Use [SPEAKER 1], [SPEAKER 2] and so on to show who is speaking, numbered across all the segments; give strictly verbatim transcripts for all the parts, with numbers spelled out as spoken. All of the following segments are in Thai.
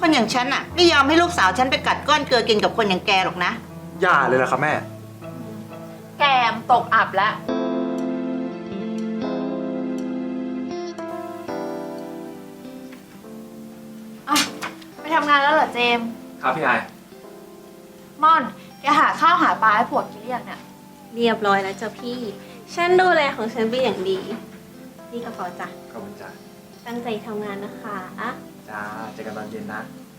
[SPEAKER 1] คนอย่างฉันอะไม่ยอมให้ลูกสาวฉันไปกัดก้อนเกลือกินกับคนอย่างแกหรอกนะ
[SPEAKER 2] อย่าเลยล่ะครับแม่
[SPEAKER 3] แกมตกอับแล้วอ่ะไปทำงานแล้วเหรอเจมส์
[SPEAKER 2] ครับพี่ไอ
[SPEAKER 3] ม่อนแกหาข้าวหาปลาให้ผัวกินหรือยังเนี่ย
[SPEAKER 4] เรียบร้อยแล้วจ้ะพี่ฉันดูแลของฉันเป็นอย่างดีนี่กระเป๋าจ้ะ
[SPEAKER 2] ขอบคุณจ้า
[SPEAKER 4] ตั้งใจทำงานนะคะอะ
[SPEAKER 2] จ้าเจอกันตอนเย็นนะ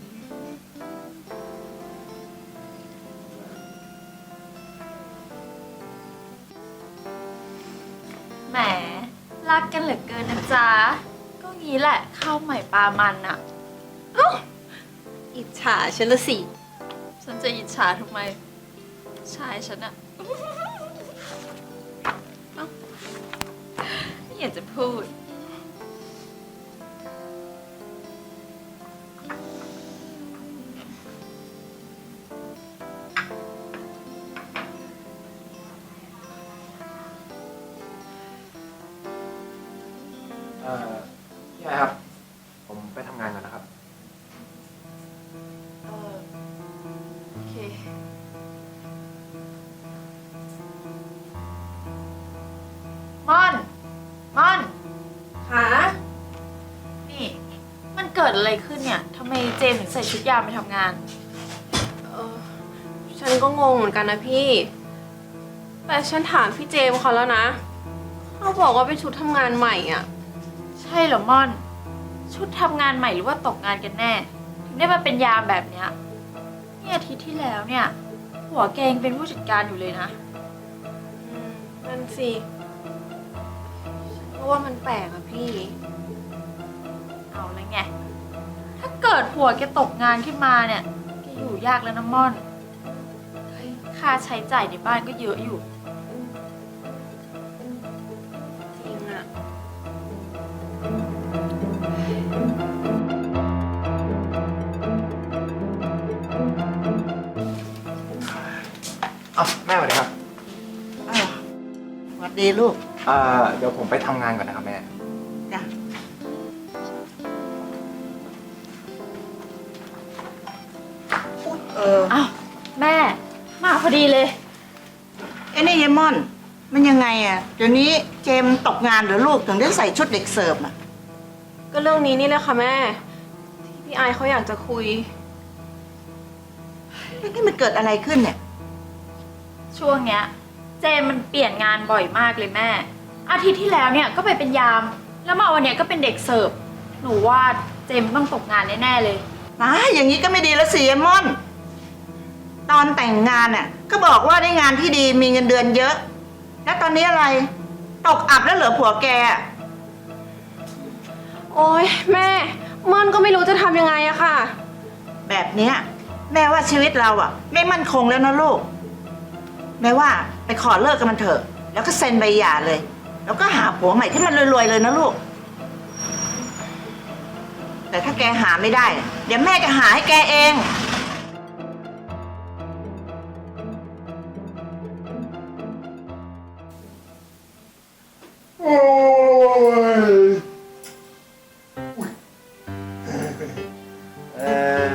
[SPEAKER 3] แหมรักกันเหลือเกินนะจ๊ะก็งี้แหละข้าวใหม่ปลามันอะ
[SPEAKER 4] เอ้าอิจฉาฉันละสิ
[SPEAKER 3] ฉันจะอิจฉาทำไมชายฉันอะเอ้าไม่อยากจะพูด
[SPEAKER 2] เอ่อพี่ไอครับผมไปทำงานก่อนนะครับ
[SPEAKER 3] เออโอเคม่อนม่อน
[SPEAKER 4] ค่ะ
[SPEAKER 3] นี่มันเกิดอะไรขึ้นเนี่ยทำไมเจมส์ถึงใส่ชุดยามไปทำงาน
[SPEAKER 4] เออฉันก็งงเหมือนกันนะพี่แต่ฉันถามพี่เจมส์เขาแล้วนะเขาบอกว่าเป็นชุดทำงานใหม่อ่ะ
[SPEAKER 3] ใช่เหรอม่อนชุดทำงานใหม่หรือว่าตกงานกันแน่ถึงได้มาเป็นยามแบบเนี้ยนี่อาทิตย์ที่แล้วเนี่ยหัวแกงเป็นผู้จัดการอยู่เลยนะ
[SPEAKER 4] อืมนั่นสิเพราะว่ามันแปลกอะพี่
[SPEAKER 3] เอาแล้วไงถ้าเกิดผัวแกตกงานขึ้นมาเนี่ยแกอยู่ยากแล้วนะม่อนค่าใช้จ่ายในบ้านก็เยอะอยู่
[SPEAKER 4] จริงอะ
[SPEAKER 2] อ้าวแม่สวัสดีครับ
[SPEAKER 1] อ้าวสวัสดีลูก
[SPEAKER 2] เอ่อเดี๋ยวผมไปทำงานก่อนนะครับแม่
[SPEAKER 1] จ้ะเออ
[SPEAKER 3] อ้าวแม่มาพอดีเลย
[SPEAKER 1] ไอ้นี่ยายม่อนมันยังไงอะเดี๋ยวนี้เจมตกงานหรือลูกถึงได้ใส่ชุดเด็กเสิร์ฟอะ
[SPEAKER 4] ก็เรื่องนี้นี่แหละค่ะแม่ที่พี่ไอเขาอยากจะคุย
[SPEAKER 1] นี่มันเกิดอะไรขึ้นเนี่ย
[SPEAKER 3] ช่วงเนี้ยเจมมันเปลี่ยนงานบ่อยมากเลยแม่อาทิตย์ที่แล้วเนี่ยก็ไปเป็นยามแล้วมาวันเนี้ยก็เป็นเด็กเสิร์ฟหนูว่าเจมต้องตกงานแน่ๆเลย
[SPEAKER 1] นะอย่างนี้ก็ไม่ดีแล้วสิยายม่อนตอนแต่งงานน่ะก็บอกว่าได้งานที่ดีมีเงินเดือนเยอะแล้วตอนนี้อะไรตกอับแล้วเหลือผัวแก
[SPEAKER 4] โอ๊ยแม่ม่อนก็ไม่รู้จะทำยังไงอะค่ะ
[SPEAKER 1] แบบเนี้ยแม่ว่าชีวิตเราอะไม่มั่นคงแล้วนะลูกแม่ว่าไปขอเลิกกันมันเถอะแล้วก็เซ็นใบหย่าเลยแล้วก็หาผัวใหม่ที่มันรวยๆเลยนะลูกแต่ถ้าแกหาไม่ได้เดี๋ยวแม่จะหาให้แกเอง
[SPEAKER 2] โอ้ยเออ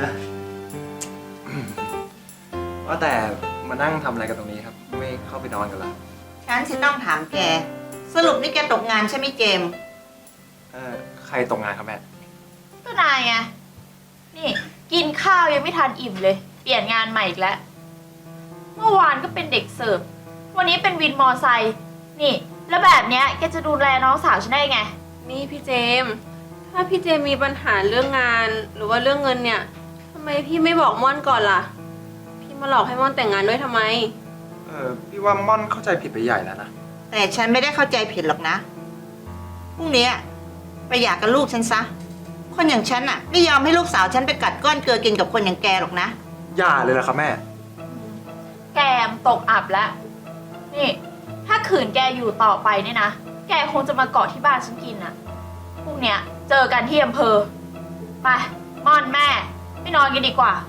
[SPEAKER 2] ว่าแต่มานั่งทำอะไรกันตรงนี้ครับไม่เข้าไปนอนกันละ
[SPEAKER 1] ฉันสิต้องถามแกสรุปนี่แกตกงานใช่ไหมเจม
[SPEAKER 2] เออใครตกงานครับแม่
[SPEAKER 3] ก็นายไงนี่กินข้าวยังไม่ทันอิ่มเลยเปลี่ยนงานใหม่อีกแล้วเมื่อวานก็เป็นเด็กเสิร์ฟวันนี้เป็นวินมอไซค์นี่แล้วแบบเนี้ยแกจะดูแลน้องสาวฉันได้ไง
[SPEAKER 4] นี่พี่เจมถ้าพี่เจมมีปัญหาเรื่องงานหรือว่าเรื่องเงินเนี่ยทำไมพี่ไม่บอกม่อนก่อนล่ะพี่มาหลอกให้ม่อนแต่งงานด้วยทำไม
[SPEAKER 2] เออพี่ว่าม่อนเข้าใจผิดไปใหญ่แล้วนะ
[SPEAKER 1] แต่ฉันไม่ได้เข้าใจผิดหรอกนะพรุ่งนี้ไปหย่ากับลูกฉันซะคนอย่างฉันอะไม่ยอมให้ลูกสาวฉันไปกัดก้อนเกลือกินกับคนอย่างแกหรอกนะ
[SPEAKER 2] อย่าเลยล่ะครับแม่
[SPEAKER 3] แกมตกอับแล้วนี่ถ้าขืนแกอยู่ต่อไปเนี่ยนะแกคงจะมาเกาะที่บ้านฉันกินอะพรุ่งเนี้ยเจอกันที่อำเภอไปม่อนแม่ไปนอนกันดีกว่า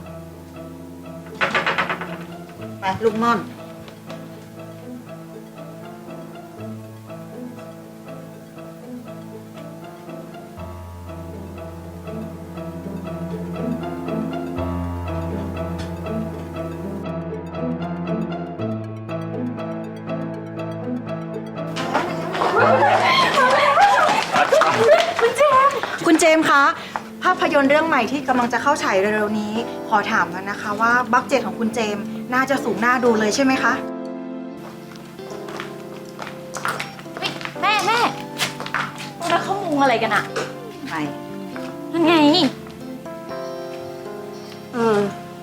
[SPEAKER 1] ไปลูกม่อน
[SPEAKER 2] เ
[SPEAKER 5] ภาพยนตร์เรื่องใหม่ที่กำลังจะเข้าฉายเร็วๆนี้ ขอถามแล้วนะคะว่าบัคเจ็ตของคุณเจมส์น่าจะสูงน่าดูเลยใช่ไหมคะ
[SPEAKER 3] เฮ้ยแม่แม่พวกเราเข้ามุงอะไรกันอะ
[SPEAKER 1] ไม่
[SPEAKER 3] นั่นไง
[SPEAKER 4] เออ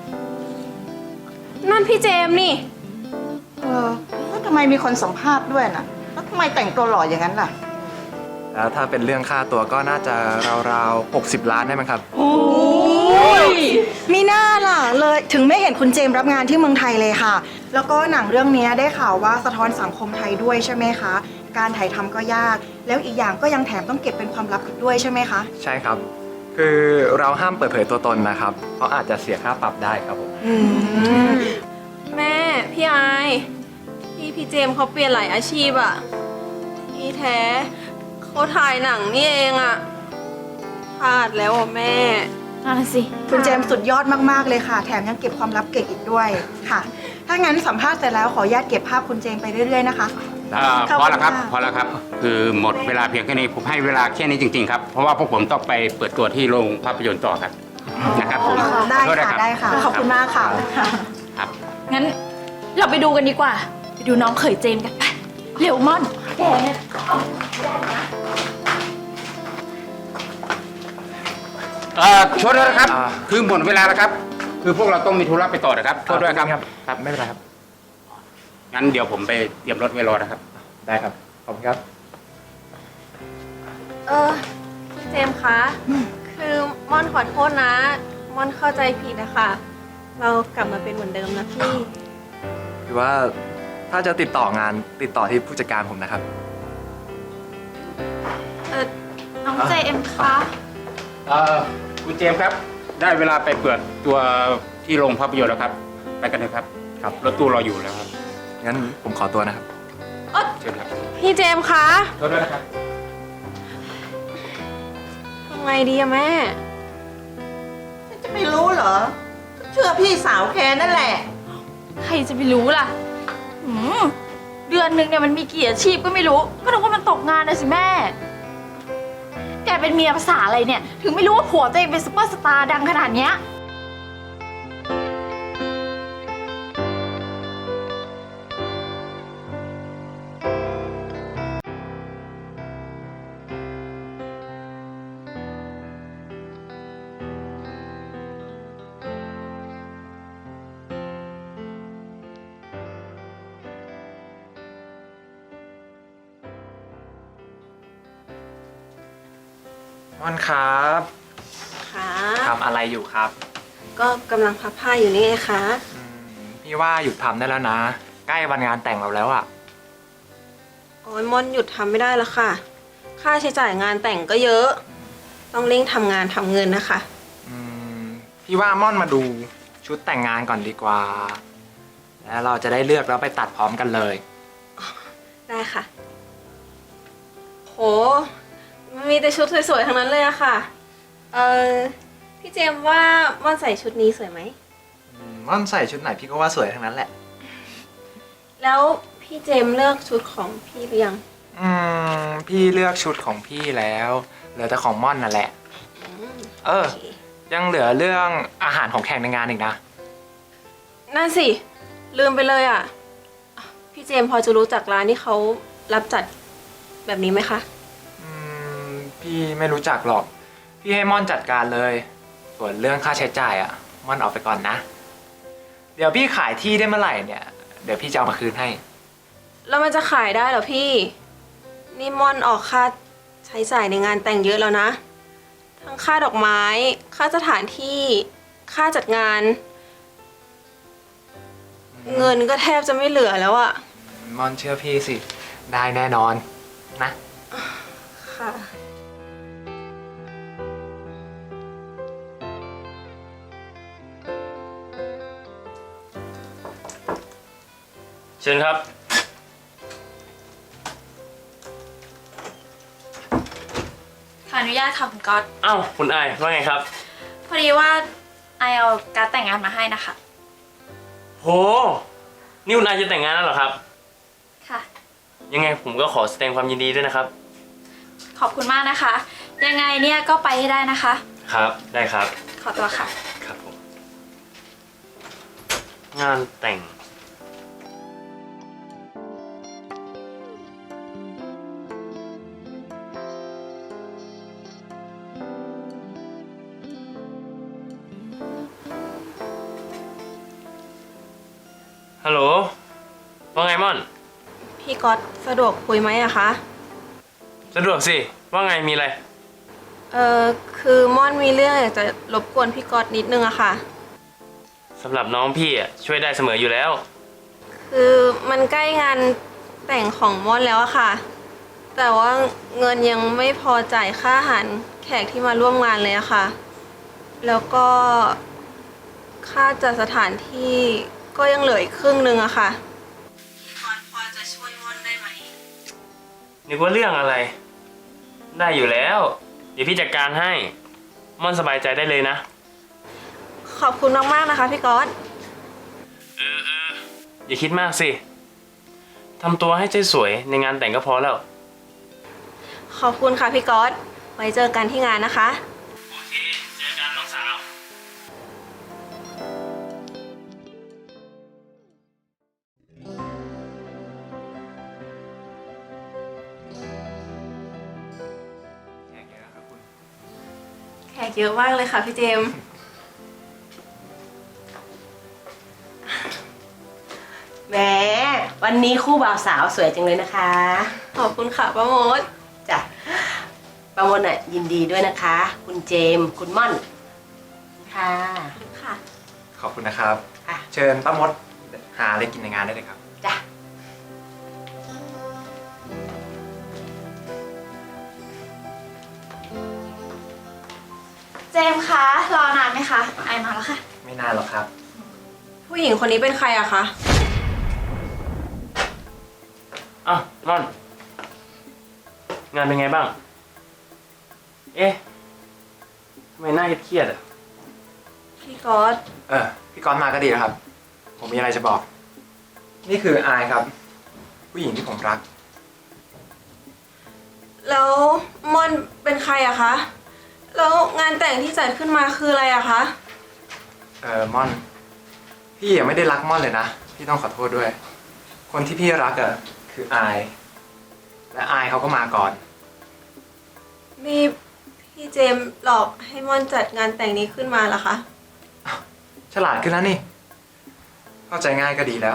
[SPEAKER 4] นั่นพี่เจมส์นี่
[SPEAKER 1] เออแล้วทำไมมีคนสัมภาษณ์ด้วยน่ะแล้วทำไมแต่งตัวหล่ออย่างนั้นล่ะ
[SPEAKER 2] แล้วถ้าเป็นเรื่องค่าตัวก็น่าจะราวๆหกสิบล้านได้มั้งครับ
[SPEAKER 5] โอ้ยมีหน้าล่ะเลยถึงไม่เห็นคุณเจมส์รับงานที่เมืองไทยเลยค่ะ แล้วก็หนังเรื่องนี้ได้ข่าวว่าสะท้อนสังคมไทยด้วยใช่ไหมคะ การถ่ายทำก็ยาก แล้วอีกอย่างก็ยังแถมต้องเก็บเป็นความลับอีกด้วยใช่ไหมคะ
[SPEAKER 2] ใช่ครับ คือเราห้ามเปิดเผยตัวตนนะครับ เพราะอาจจะเสียค่าปรับได้ครับผม
[SPEAKER 5] อืม
[SPEAKER 4] แม่ พี่ไอายพี่พี่เจมส์เขาเปลี่ยนหลายอาชีพอะที่แท้เขาถ่ายหนังนี่เองอะพลาดแล้วอะแม่
[SPEAKER 3] นั่นนะสิ
[SPEAKER 5] คุณเจมส์สุดยอดมากๆเลยค่ะ แถมยังเก็บความลับเก่งอีกด้วยค่ะ ถ้างั้นสัมภาษณ์เสร็จแล้วขออนุญาตเก็บภาพคุณเจมส์ไปเรื่อยๆนะคะ
[SPEAKER 6] อ่า
[SPEAKER 5] ขอบ
[SPEAKER 6] พ
[SPEAKER 5] คุ
[SPEAKER 6] อ
[SPEAKER 5] ณ
[SPEAKER 6] แล้วครับ
[SPEAKER 5] ค่ะ
[SPEAKER 6] พอแล้วครับ คือหมดเวลาเพียงแค่นี้ผมให้เวลาแค่นี้จริงๆครับ เพราะว่าพวกผมต้องไปเปิดตัวที่โรงภาพยนตร์ต่อครับนะครับผม
[SPEAKER 5] ได้
[SPEAKER 6] ขอโทษน
[SPEAKER 5] ค่ะ
[SPEAKER 6] รับ
[SPEAKER 5] ได้ค่ะ ขอบคุณมากค่ะ
[SPEAKER 6] ครับ
[SPEAKER 3] งั้นเราไปดูกันดีกว่า ไปดูน้องเขยเจมส์กันไปเร็วม่อนแกเนี่ย
[SPEAKER 6] เอ่อช่วยด้วยนะครับ
[SPEAKER 2] อ่า
[SPEAKER 6] คือหมดเวลาแล้วครับ คือพวกเราต้องมีธุระไปต่อนะครับช่วยด้วยครับ
[SPEAKER 2] ครับ ไม่เป็นไรครับ
[SPEAKER 6] งั้นเดี๋ยวผมไปเตรียมรถไว้รอนะครับ
[SPEAKER 2] ได้ครับ ขอบคุณครับ
[SPEAKER 4] เออคุณเจมส์คะ คือม่อนขอโทษนะ ม่อนเข้าใจผิดนะคะเรากลับมาเป็นเหมือนเดิมนะพี่
[SPEAKER 2] คือว่าถ้าจะติดต่องานติดต่อที่ผู้จัดการผมนะครับ
[SPEAKER 4] เออ
[SPEAKER 3] น้องเจมส์คะ
[SPEAKER 6] เอ่อคุณเจมส์ครับ ได้เวลาไปเปิดตัวที่โรงภาพยนตร์แล้วครับ ไปกันเลยครับ
[SPEAKER 2] ครับ
[SPEAKER 6] รถตู้รออยู่แล้วครับ
[SPEAKER 2] งั้นผมขอตัวนะครับ
[SPEAKER 6] เชิญครับ
[SPEAKER 4] พี่เจมส์คะ
[SPEAKER 6] ช่วยด้วยนะครับ
[SPEAKER 4] ทำไงดีอะแม่
[SPEAKER 1] จะไม่รู้เหรอ เชื่อพี่สาวแค่นั่นแหละ
[SPEAKER 3] ใครจะไปรู้ล่ะหืมเดือนหนึ่งเนี่ยมันมีกี่อาชีพก็ไม่รู้ ก็นึกว่ามันตกงานนะสิแม่ แกเป็นเมียภาษาอะไรเนี่ย ถึงไม่รู้ว่าผัวตัวเองเป็นซุปเปอร์สตาร์ดังขนาดเนี้ย
[SPEAKER 2] ม่อนครับ
[SPEAKER 4] ค่ะ
[SPEAKER 2] ทำอะไรอยู่ครับ
[SPEAKER 4] ก็กำลังพับผ้าอยู่นี่ไงคะ
[SPEAKER 2] อืมพี่ว่าหยุดทำได้แล้วนะ ใกล้วันงานแต่งเราแล้วอ่ะ
[SPEAKER 4] โอ้ยม่อนหยุดทำไม่ได้แล้วค่ะ ค่าใช้จ่ายงานแต่งก็เยอะ ต้องเร่งทำงานทำเงินนะคะ
[SPEAKER 2] อืมพี่ว่าม่อนมาดูชุดแต่งงานก่อนดีกว่า แล้วเราจะได้เลือกแล้วไปตัดพร้อมกันเลย
[SPEAKER 4] ได้ค่ะ โห มันมีแต่ชุดสวยๆ ทั้งนั้นเลยอะค่ะ เออพี่เจมส์ว่าม่อนใส่ชุดนี้สวยไหม
[SPEAKER 2] อืมม่อนใส่ชุดไหนพี่ก็ว่าสวยทั้งนั้นแหละ
[SPEAKER 4] แล้วพี่เจมส์เลือกชุดของพี่หรือยัง
[SPEAKER 2] อืมพี่เลือกชุดของพี่แล้วเหลือแต่ของม่อนนั่นแหละ
[SPEAKER 4] อืม
[SPEAKER 2] เออ
[SPEAKER 4] โอเค
[SPEAKER 2] ยังเหลือเรื่องอาหารของแขกในงานอีกนะ
[SPEAKER 4] นั่นสิ ลืมไปเลยอะพี่เจมส์พอจะรู้จักร้านที่เขารับจัดแบบนี้ไหมคะ
[SPEAKER 2] อืมพี่ไม่รู้จักหรอก พี่ให้ม่อนจัดการเลย ส่วนเรื่องค่าใช้จ่ายอะม่อนเอาไปก่อนนะ เดี๋ยวพี่ขายที่ได้เมื่อไหร่เนี่ย เดี๋ยวพี่จะเอามาคืนให้
[SPEAKER 4] แล้วมันจะขายได้เหรอพี่ นี่ม่อนออกค่าใช้จ่ายในงานแต่งเยอะแล้วนะ ทั้งค่าดอกไม้ ค่าสถานที่ ค่าจัดงาน เงินก็แทบจะไม่เหลือแล้วอะ
[SPEAKER 2] ม่อนเชื่อพี่สิ ได้แน่นอนนะ
[SPEAKER 4] ค่ะ
[SPEAKER 7] เชิญครับ
[SPEAKER 3] ขออนุญาตค่ะคุณก๊อต
[SPEAKER 7] เอ้าคุณอายว่าไงครับ
[SPEAKER 3] พอดีว่าไอเอาการดแต่งงานมาให้นะคะ
[SPEAKER 7] โห นี่คุณอายจะแต่งงานแล้วเหรอครับ
[SPEAKER 3] ค่ะ
[SPEAKER 7] ยังไงผมก็ขอแสดงความยินดีด้วยนะครับ
[SPEAKER 3] ขอบคุณมากนะคะยังไงเนี่ยก็ไปให้ได้นะคะ
[SPEAKER 7] ครับ ได้ครับ
[SPEAKER 3] ขอตัวค่ะ
[SPEAKER 7] ครับผม งานแต่ง ฮัลโหล ว่าไงม่อน
[SPEAKER 4] พี่ก๊อตสะดวกคุยไหมอะคะ
[SPEAKER 7] สะดวกสิ ว่าไงมีอะไร
[SPEAKER 4] เออคือม่อนมีเรื่องอยากจะรบกวนพี่ก๊อตนิดนึงอะค่ะ
[SPEAKER 7] สำหรับน้องพี่อ่ะช่วยได้เสมออยู่แล้ว
[SPEAKER 4] คือมันใกล้งานแต่งของม่อนแล้วอะค่ะ แต่ว่าเงินยังไม่พอจ่ายค่าอาหารแขกที่มาร่วมงานเลยอะค่ะ แล้วก็ค่าจัดสถานที่ก็ยังเหลืออีกครึ่งนึงอะค่ะพี่ก๊อตพอจะช่วยม่อนได้ไหม
[SPEAKER 7] นึกว่าเรื่องอะไร ได้อยู่แล้ว เดี๋ยวพี่จัดการให้ ม่อนสบายใจได้เลยนะ
[SPEAKER 4] ขอบคุณมากๆนะคะพี่ก๊อต
[SPEAKER 7] อย่าคิดมากสิ ทำตัวให้ใจสวยในงานแต่งก็พอแล้ว
[SPEAKER 4] ขอบคุณค่ะพี่ก๊อต ไว้เจอกันที่งานนะคะ
[SPEAKER 7] โอเค เจอกันน้องสาว
[SPEAKER 2] แขกเยอะครับคุณ
[SPEAKER 4] แขกเยอะมากเลยค่ะพี่เจมส์
[SPEAKER 8] แหมวันนี้คู่บ่าวสาวสวยจังเลยนะคะ
[SPEAKER 4] ขอบคุณค่ะป้าโมด
[SPEAKER 8] จ้ะประมวลน่ะยินดีด้วยนะคะ คุณเจมส์คุณม่อนค่ะ
[SPEAKER 4] ค่ะ
[SPEAKER 2] ขอบคุณนะครับ
[SPEAKER 8] ค่ะ
[SPEAKER 2] เชิญป้ามดหาอะไรกินในงานได้เลยครับ
[SPEAKER 8] จ้ะ
[SPEAKER 3] เจมส์คะรอนานไหมคะไอมาแล้วค่ะ
[SPEAKER 2] ไม่นานหรอกครับ
[SPEAKER 4] ผู้หญิงคนนี้เป็นใครอะคะ
[SPEAKER 7] อ้าวม่อน งานเป็นไงบ้าง เอ๊ะทำไมหน้าเครียดๆอ่ะ
[SPEAKER 4] พี่ก๊อต
[SPEAKER 2] เออ พี่ก๊อตมาก็ดีนะครับ ผมมีอะไรจะบอก นี่คืออายครับ ผู้หญิงที่ผมรัก
[SPEAKER 4] แล้วม่อนเป็นใครอะคะ แล้วงานแต่งที่จัดขึ้นมาคืออะไรอะคะ
[SPEAKER 2] เออม่อน พี่ยังไม่ได้รักม่อนเลยนะ พี่ต้องขอโทษด้วย คนที่พี่รักอะคืออาย และอายเขาก็มาก่อน
[SPEAKER 4] มีพี่เจมส์หลอกให้ม่อนจัดงานแต่งนี้ขึ้นมาเหรอคะ
[SPEAKER 2] ฉลาดขึ้นแล้วนี่ เข้าใจง่ายก็ดีแล้ว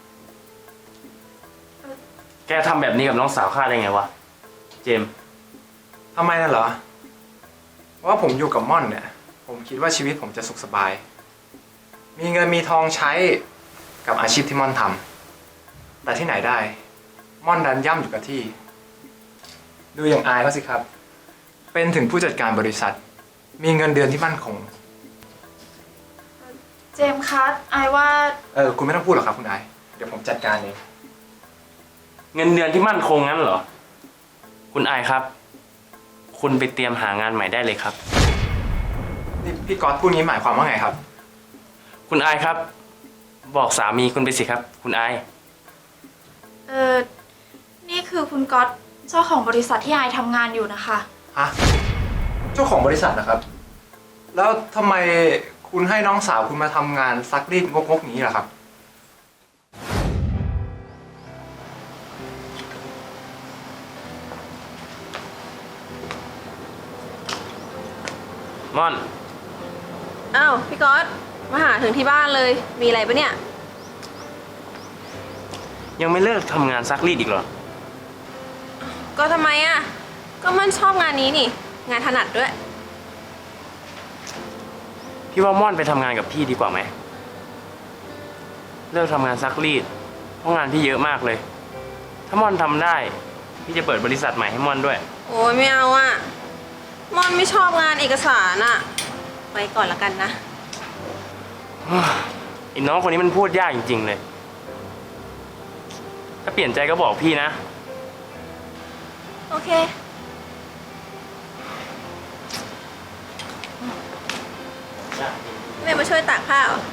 [SPEAKER 7] แกทำแบบนี้กับน้องสาวข้าได้ไงวะ เจมส์
[SPEAKER 2] ทำไมน่ะเหรอ เพราะว่าผมอยู่กับม่อนเนี่ย ผมคิดว่าชีวิตผมจะสุขสบาย มีเงินมีทองใช้กับอาชีพที่ม่อนทำ แต่ที่ไหนได้ ม่อนดันย่ำอยู่กับที่ ดูอย่างอายเขาสิครับ เป็นถึงผู้จัดการบริษัท มีเงินเดือนที่มั่นคง
[SPEAKER 3] เจมส์คะไอว่า
[SPEAKER 2] เออ คุณไม่ต้องพูดหรอกครับคุณอาย เดี๋ยวผมจัดการเอง
[SPEAKER 7] เงินเดือนที่มั่นคงงั้นเหรอ คุณอายครับ คุณไปเตรียมหางานใหม่ได้เลยครับ
[SPEAKER 2] นี่พี่ก๊อตพูดงี้หมายความว่าไงครับ
[SPEAKER 7] คุณอายครับ บอกสามีคุณไปสิครับ คุณอาย
[SPEAKER 3] เออนี่คือคุณก๊อตเจ้าของบริษัทที่ไอทำงานอยู่นะคะ
[SPEAKER 2] ฮะ เจ้าของบริษัทนะครับ แล้วทำไมคุณให้น้องสาวคุณมาทำงานซักรีดงกๆนี้ล่ะครับ
[SPEAKER 7] ม่อน
[SPEAKER 4] อ้าวพี่ก๊อตมาหาถึงที่บ้านเลย มีอะไรปะเนี่ย
[SPEAKER 7] ยังไม่เลิกทำงานซักรีดอีกเหรอ
[SPEAKER 4] ก็ทำไมอะก็มันชอบงานนี้นี่ งานถนัดด้วย
[SPEAKER 7] พี่ว่าม่อนไปทำงานกับพี่ดีกว่าไหม เลิกทำงานซักรีด เพราะงานพี่เยอะมากเลย ถ้าม่อนทำได้ พี่จะเปิดบริษัทใหม่ให้ม่อนด้วย
[SPEAKER 4] โอ้ยไม่เอาอะม่อนไม่ชอบงานเอกสารอะไว้ก่อนละกันนะ
[SPEAKER 7] ไอ้น้องคนนี้มันพูดยากจริงๆเลย ถ้าเปลี่ยนใจก็บอกพี่นะ
[SPEAKER 3] โอเค
[SPEAKER 4] แม่มาช่วยตากผ้าเหรอ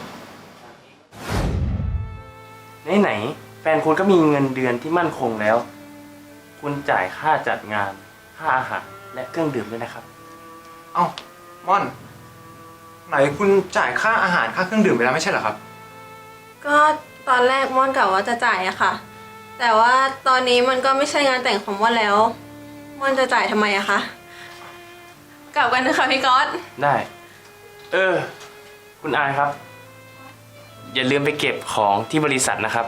[SPEAKER 7] ไหนๆแฟนคุณก็มีเงินเดือนที่มั่นคงแล้ว คุณจ่ายค่าจัดงาน ค่าอาหารและเครื่องดื่มด้วยนะครับ
[SPEAKER 2] เอ้าม่อน ไหนคุณจ่ายค่าอาหารค่าเครื่องดื่มไปแล้วไม่ใช่เหรอครับ
[SPEAKER 4] ก็ตอนแรกม่อนกะว่าจะจ่ายอะค่ะ แต่ว่าตอนนี้มันก็ไม่ใช่งานแต่งของม่อนแล้วม่อนจะจ่ายทำไมอะคะกลับกันนะคะพี่ก๊อต
[SPEAKER 7] ได้ เออ คุณอายครับ อย่าลืมไปเก็บของที่บริษัทนะครับ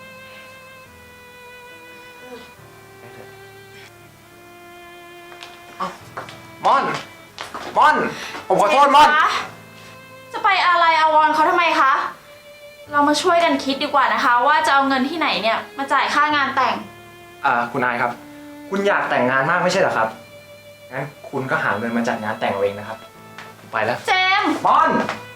[SPEAKER 2] ม่อน ม่อน ผมขอโทษม่อน
[SPEAKER 3] เจคะจะไปอะไรอาวรณ์เขาทำไมคะ เรามาช่วยกันคิดดีกว่านะคะ ว่าจะเอาเงินที่ไหนเนี่ยมาจ่ายค่างานแต่ง
[SPEAKER 2] อ่า คุณนายครับ คุณอยากแต่งงานมากไม่ใช่เหรอครับ งั้นคุณก็หาเงินมาจัดงานแต่งเอาเองนะครับผมไปแล้ว
[SPEAKER 3] เจมส์
[SPEAKER 2] ม่อน ม